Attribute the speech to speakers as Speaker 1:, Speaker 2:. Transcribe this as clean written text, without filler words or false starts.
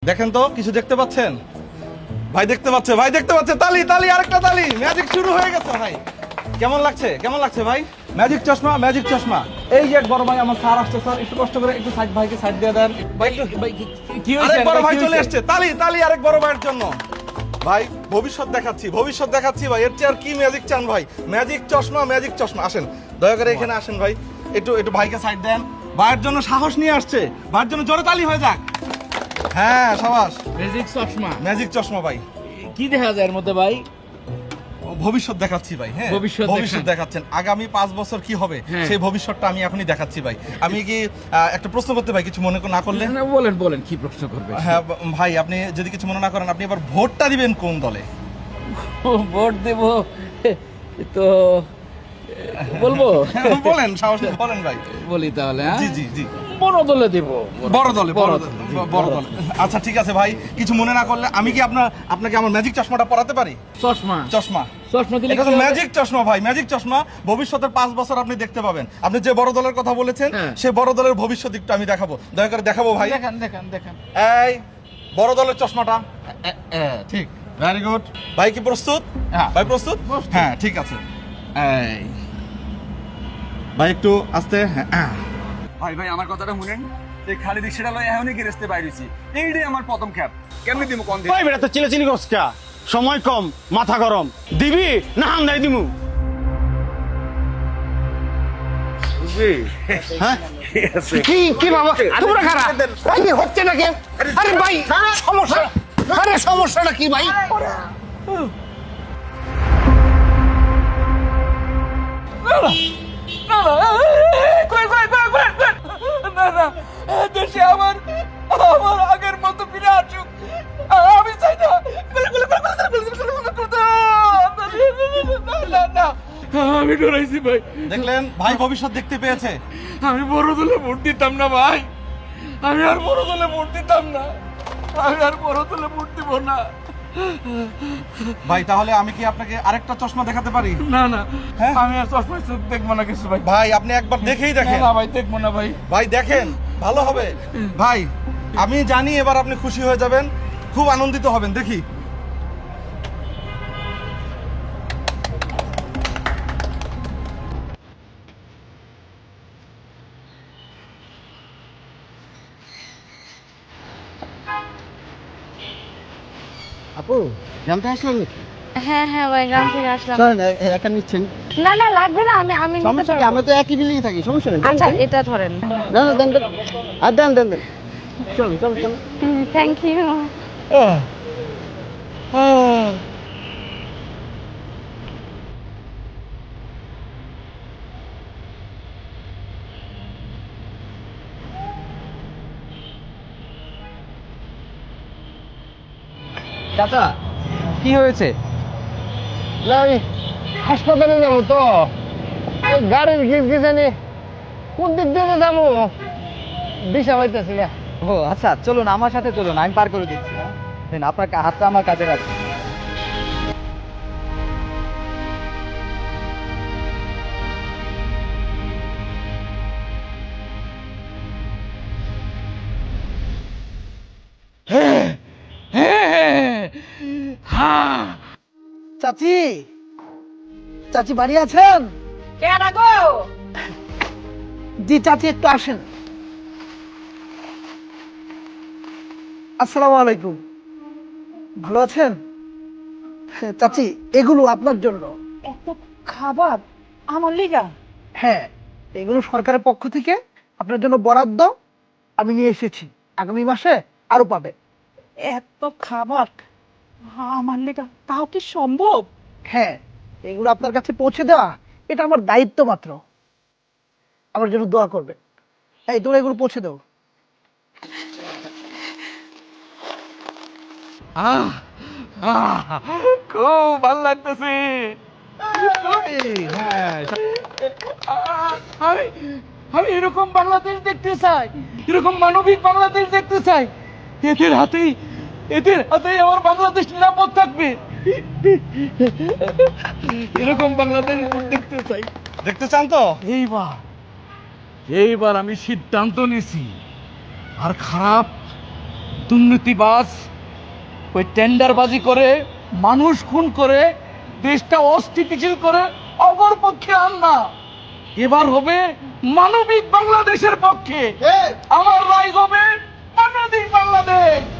Speaker 1: দেখেন তো কিছু দেখতে পাচ্ছেন? ভাই দেখতে পাচ্ছে, ভাই দেখতে পাচ্ছে। তালি তালি, আরেকটা তালি। ম্যাজিক শুরু হয়ে গেছে ভাই। কেমন লাগছে, কেমন লাগছে ভাই? ম্যাজিক চশমা, ম্যাজিক চশমা। এই যে এক বড় ভাই আমার স্যার আসছে, স্যার একটু কষ্ট করে একটু সাইড ভাইকে সাইড দিয়ে দেন ভাই।
Speaker 2: কি
Speaker 1: আরেক
Speaker 2: হয়েছে?
Speaker 1: বড় ভাই চলে আসছে। তালি তালি আরেক বড় ভাইয়ের জন্য। ভাই ভবিষ্যৎ দেখাচ্ছি, ভবিষ্যৎ দেখাচ্ছি ভাই। এর চেয়ে আর কি ম্যাজিক চান ভাই? ম্যাজিক চশমা, ম্যাজিক চশমা। আসেন দয়া করে এখানে আসেন ভাই। একটু একটু ভাইকে সাইড দেন। ভাইয়ের জন্য সাহস নিয়ে আসছে, ভাইয়ের জন্য জোরে তালি হয়ে যাক। হ্যাঁ সাবাস।
Speaker 2: ম্যাজিক চশমা।
Speaker 1: ম্যাজিক চশমা ভাই।
Speaker 2: কি দেখা যায় এর মধ্যে ভাই?
Speaker 1: ভবিষ্যৎ দেখাচ্ছি ভাই। হ্যাঁ ভবিষ্যৎ দেখাচ্ছেন। আগামী 5 বছর কি হবে সেই ভবিষ্যৎটা আমি এখনই দেখাচ্ছি ভাই। আমি কি একটা প্রশ্ন করতে ভাই, কিছু মনে না করলে?
Speaker 2: না, বলেন বলেন, কি প্রশ্ন করবে?
Speaker 1: হ্যাঁ ভাই, আপনি যদি কিছু মনে না করেন, আপনি এবার ভোটটা দিবেন কোন দলে?
Speaker 2: ভোট দেব তো বলবো?
Speaker 1: বলেন, সাহস নিয়ে বলেন ভাই।
Speaker 2: বলি তাহলে, হ্যাঁ?
Speaker 1: জি জি জি।
Speaker 2: বড় দলে দেব।
Speaker 1: বড় দলে, বড় দলে,
Speaker 2: জি,
Speaker 1: বড় দলে। আচ্ছা ঠিক আছে ভাই, কিছু মনে না করলে আমি কি আপনাকে আমার ম্যাজিক চশমাটা পরাতে পারি?
Speaker 2: চশমা?
Speaker 1: চশমা,
Speaker 2: চশমা দিলে
Speaker 1: এটা
Speaker 2: কি
Speaker 1: তো
Speaker 2: হবে?
Speaker 1: ম্যাজিক চশমা ভাই, ম্যাজিক চশমা। ভবিষ্যতের 5 বছর আপনি দেখতে পাবেন। আপনি যে বড় দলের কথা বলেছেন,
Speaker 2: হ্যাঁ।
Speaker 1: সেই বড় দলের ভবিষ্যৎ দিকটা আমি দেখাবো। দয়া করে দেখাবো ভাই।
Speaker 2: দেখান দেখান দেখান।
Speaker 1: এই বড় দলের চশমাটা। ঠিক, ভেরি গুড। ভাই কি প্রস্তুত?
Speaker 2: হ্যাঁ।
Speaker 1: ভাই প্রস্তুত?
Speaker 2: প্রস্তুত।
Speaker 1: হ্যাঁ ঠিক আছে। এই ভাই একটু আস্তে। হ্যাঁ
Speaker 3: ভাই ভাই আমার কথাটা শুনেন, এই খালি রিক্সাটা লয় এখনই গেরেস্তে বাইরেছি। এইটাই আমার প্রথম খ্যাপ। কেমনি দিব কোন দিন?
Speaker 4: ভাই বেটা তো চিলাচিলি করছকা, সময় কম, মাথা গরম, দিবি না হামদাই দিমু? হ্যাঁ কি কি বাবা তোমরা খারাপ ভাই হচ্ছে না কেন? আরে ভাই সমস্যা, আরে সমস্যাটা কি ভাই?
Speaker 2: না না, কই কই কই কই, না না, দেশে আমার আগের মতো ফিরে আসুক। আমি চাই না। না না, আমি ডরাইছি ভাই।
Speaker 1: দেখলেন ভাই ভবিষ্যৎ দেখতে পেয়েছে।
Speaker 2: আমি বড় দলে ভোট দিতাম না ভাই। আমি আর বড় দলে ভোট দিতাম না। আমি আর বড় দলে ভোট দিব না।
Speaker 1: ভাই তাহলে আমি কি আপনাকে আরেকটা চশমা দেখাতে পারি?
Speaker 2: না না,
Speaker 1: হ্যাঁ?
Speaker 2: আমি আর চশমা দেখবো না কিছু ভাই।
Speaker 1: ভাই আপনি একবার দেখেই দেখেন।
Speaker 2: না ভাই, দেখবো না ভাই।
Speaker 1: ভাই দেখেন, ভালো হবে ভাই। আমি জানি এবার আপনি খুশি হয়ে যাবেন, খুব আনন্দিত হবেন। দেখি।
Speaker 4: আপু জানতে আসলাম নাকি?
Speaker 5: হ্যাঁ হ্যাঁ ভাই, গ্রাম থেকে আসলাম।
Speaker 4: চলেন একা নিচ্ছেন?
Speaker 5: না না, লাগবে না, আমি আমি নিতে
Speaker 4: সমস্যা কি?
Speaker 5: পারবো।
Speaker 4: আমরা তো একই বিল্ডিং থাকি, সমস্যা নেই।
Speaker 5: আচ্ছা এটা ধরেন।
Speaker 4: না না দেন দেন, আর দেন দেন দেন। চলুন চলুন চলুন।
Speaker 5: Thank you.
Speaker 4: চাচা কি হয়েছে? না আমি হাসপাতালে যাবো তো, এই গাড়ির গিজগিজানি কোন দিক দিয়ে যাবো দিশা পাইতেছি না।
Speaker 6: ও আচ্ছা, চলুন আমার সাথে চলুন, আমি পার করে দিচ্ছি। দেন আপনার হাতটা আমার কাছে রাখুন।
Speaker 4: চাচি, চাচি বাড়ি আছেন?
Speaker 5: কেন গো?
Speaker 4: জি চাচি একটু আসেন। আসসালামু আলাইকুম, ভালো আছেন? হ্যাঁ, চাচি এগুলো আপনার জন্য।
Speaker 5: এত খাবার আমার লিগা?
Speaker 4: হ্যাঁ, এগুলো সরকারের পক্ষ থেকে আপনার জন্য বরাদ্দ, আমি নিয়ে এসেছি। আগামী মাসে আরো পাবে।
Speaker 5: এত খাবার আমার লিগা, তাও কি সম্ভব?
Speaker 4: হ্যাঁ, এগুলো আপনার কাছে পৌঁছে দেওয়া এটা আমার দায়িত্ব মাত্র। আমার জন্য দোয়া করবে। এই তোরা এগুলো পৌঁছে দাও।
Speaker 2: খুব ভালো লাগতেছে। আমি আমি এরকম বাংলাদেশ দেখতে চাই, এরকম মানবিক বাংলাদেশ দেখতে চাই। এদের হাতেই আমার বাংলাদেশ নিরাপদ থাকবে। এরকম বাংলাদেশ দেখতে চাই।
Speaker 1: দেখতে চান তো?
Speaker 2: এইবার আমি সিদ্ধান্ত নিছি, আর খারাপ দুর্নীতিবাজ, ওই টেন্ডারবাজি করে মানুষ খুন করে দেশটা অস্থিতিশীল করে অপর পক্ষে আন না। এবার হবে মানবিক বাংলাদেশের পক্ষে। আমার রায় হবে মানবিক বাংলাদেশ।